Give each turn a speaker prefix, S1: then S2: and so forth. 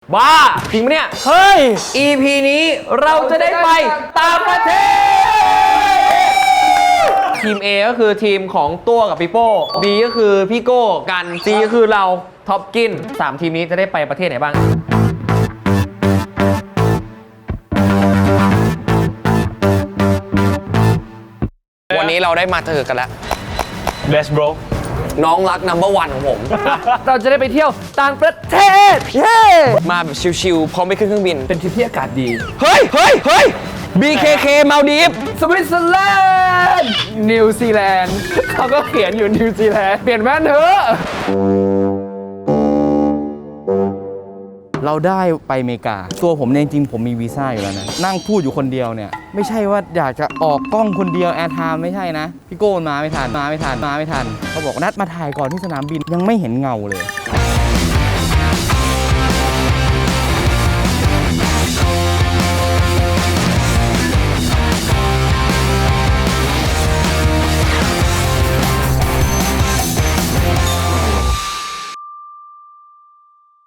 S1: บ้าจริงปะเนี่ย
S2: เฮ้ย
S1: EP นี้เราจะได้ไปต่างประเทศ ทีม A ก็คือทีมของตัวกับพี่โป้ B ก็คือพี่โก้กัน C ก็คือเราท็อปกิน3ทีมนี้จะได้ไปประเทศไหนบ้าง วันนี้เราได้มาเจอกันแล้ว
S2: Best bro
S1: น้องรัก number 1ของผม
S3: เราจะได้ไปเที่ยวต่างประเทศ เย้
S1: มาแบบชิลๆพร้อมไปขึ้นเครื่องบิน
S3: เป็นทริปที่อากาศดี
S1: เฮ้ย BKK มาลดีฟ
S3: สวิตเซอร์แลนด์ นิวซีแลนด์ เขาก็เขียนอยู่นิวซีแลนด์ เปลี่ยนแว่นเถอะ
S2: เราได้ไปอเมริกา ตัวผมเนี่ยจริงๆผมมีวีซ่าอยู่แล้วนะ นั่งพูดอยู่คนเดียวเนี่ย ไม่ใช่ว่าอยากจะออกกล้องคนเดียวแอร์ไทม์ไม่ใช่นะ พี่โก้มาไม่ทันเขาบอกนัดมาถ่ายก่อนที่สนามบินยังไม่เห็นเงาเลย